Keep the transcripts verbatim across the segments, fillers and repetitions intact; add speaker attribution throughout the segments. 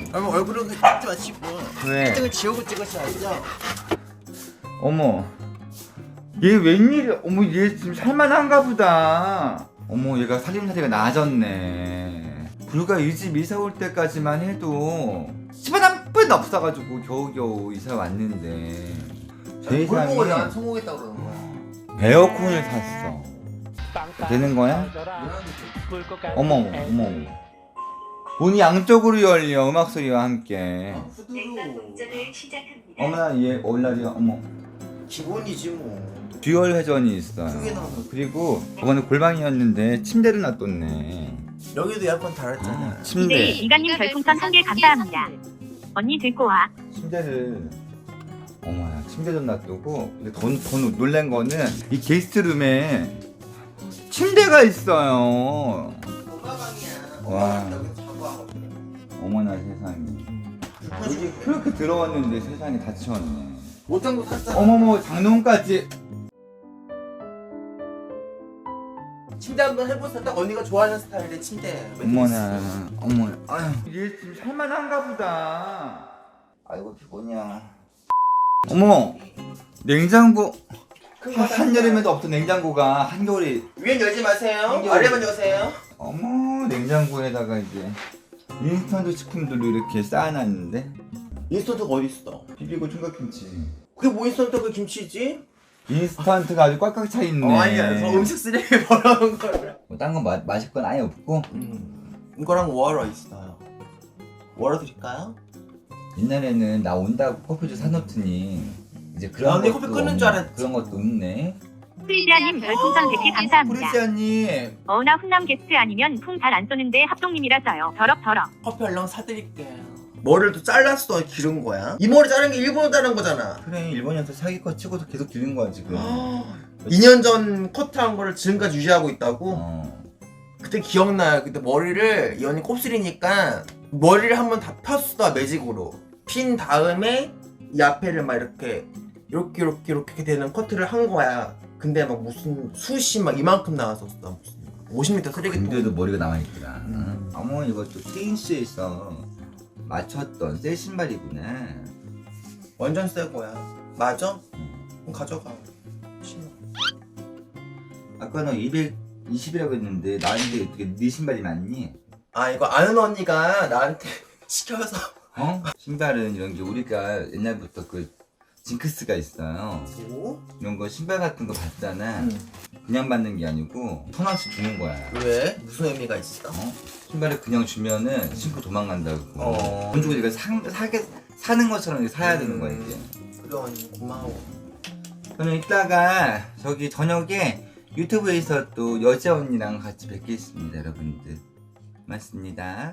Speaker 1: 아니 얼굴은 찍지 마시고
Speaker 2: 왜?
Speaker 1: 일 등을 지우고 찍으셔야죠.
Speaker 2: 어머, 얘 웬일이야? 어머, 얘 지금 살만한가 보다. 어머, 얘가 살림살이가 나아졌네. 불과 이 집 이사 올 때까지만 해도 집안 한 푼 없어가지고 겨우겨우 이사 왔는데
Speaker 1: 뭘 보고
Speaker 2: 세상에
Speaker 1: 난 성공했다 그러는 거야.
Speaker 2: 에어컨을 샀어. 되는 거야? 어머, 어머, 어머. 문이 양쪽으로 열려, 음악 소리와 함께.
Speaker 1: 아, 후드로
Speaker 2: 어머나, 얘 얼라리야. 어머.
Speaker 1: 기본이지 뭐.
Speaker 2: 듀얼 회전이 있어요.
Speaker 1: 크게 나오는.
Speaker 2: 그리고 저번에 골방이었는데 침대를 놔뒀네.
Speaker 1: 여기도 에어컨 달았잖아.
Speaker 2: 아,
Speaker 3: 네,
Speaker 2: 침대.
Speaker 3: 이가님 별풍선 한 개 감사합니다. 언니 들고 와.
Speaker 2: 침대를 어머야, 침대 좀 놔두고. 근데 더, 더 놀란 거는 이 게스트룸에 침대가 있어요.
Speaker 1: 엄마방이야.
Speaker 2: 와.
Speaker 1: 여기 자고 하거든.
Speaker 2: 어머나 세상에. 여기 그렇게 들어왔는데 세상에 다 치웠네.
Speaker 1: 옷장도 샀잖아.
Speaker 2: 어머머, 장롱까지.
Speaker 1: 침대 한번 해보세요. 딱 언니가 좋아하는 스타일의 침대.
Speaker 2: 어머나, 어머, 아유, 얘 지금 살만한가 보다. 아이고 피곤이야. 어머, 냉장고. 한- 한여름에도 없던 냉장고가 한겨울에.
Speaker 1: 위엔 열지 마세요.
Speaker 2: 한겨울에-
Speaker 1: 아래만 여세요.
Speaker 2: 어머, 냉장고에다가 이제 인스턴트 식품들로 이렇게 쌓아놨는데.
Speaker 1: 인스턴트가 어디 있어?
Speaker 2: 비비고 총각김치.
Speaker 1: 그게 뭐 인스턴트 그 김치지?
Speaker 2: 인스턴트가 아주 꽉꽉 차 있네.
Speaker 1: 어, 아니야. 저 음식 쓰레기 버려놓은 거를.
Speaker 2: 뭐딴거 마실 건 아예 없고.
Speaker 1: 음, 이거랑 워러 있어요. 워러 드릴까요?
Speaker 2: 옛날에는 나 온다고 커피도 사놓더니 이제 그런
Speaker 1: 아, 언니
Speaker 2: 것도
Speaker 1: 커피 끊는
Speaker 2: 없-
Speaker 1: 줄 알았지.
Speaker 2: 그런 것도 없네.
Speaker 3: 프리지아님 별풍선 백 개 감사합니다.
Speaker 2: 프리시아님.
Speaker 3: 어나 훈남 게스트 아니면 풍 잘 안 쏘는데 합동님이라서요. 더럽 더럽.
Speaker 1: 커피 얼른 사드릴게요. 머리를 또 잘랐어. 기른 거야? 이 머리 자른 게 일본어 자른 거잖아.
Speaker 2: 그래, 일본에서 사기 거 치고도 계속 기른 거야 지금.
Speaker 1: 이 년 전 커트한 거를 지금까지 유지하고 있다고?
Speaker 2: 어.
Speaker 1: 그때 기억나요. 그때 머리를 이 언니 곱슬이니까 머리를 한번 다 폈어. 매직으로 핀 다음에 이 앞에를 막 이렇게 이렇게 이렇게 이렇게 되는 커트를 한 거야. 근데 막 무슨 숱이 막 이만큼 나왔었어. 무슨 오십 미터 쓰레기통.
Speaker 2: 근데도 머리가 남아있구나.
Speaker 1: 음.
Speaker 2: 어머, 이것도 테인스에서 맞췄던 새 신발이구나.
Speaker 1: 완전 새 거야. 맞아?
Speaker 2: 음.
Speaker 1: 그럼 가져가. 신어.
Speaker 2: 아까 너 이백이십이라고 했는데 나한테 어떻게 네 신발이 맞니?
Speaker 1: 아 이거 아는 언니가 나한테 시켜서.
Speaker 2: 어? 신발은 이런 게 우리가 옛날부터 그 징크스가 있어요.
Speaker 1: 뭐?
Speaker 2: 이런 거 신발 같은 거 받잖아.
Speaker 1: 응.
Speaker 2: 그냥 받는 게 아니고 천 원씩 주는 거야.
Speaker 1: 왜? 무슨 의미가 있어?
Speaker 2: 어? 신발을 그냥 주면은 신고 도망간다고.
Speaker 1: 어.
Speaker 2: 돈 주고 네가 사, 사게, 사는 것처럼 이렇게 사야 되는 거야 이제.
Speaker 1: 그래 언니 고마워.
Speaker 2: 저는 이따가 저기 저녁에 유튜브에서 또 여자 언니랑 같이 뵙겠습니다 여러분들. 고맙습니다.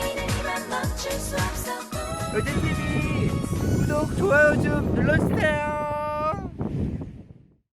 Speaker 2: 여자티비 구독, 좋아요 좀 눌러주세요.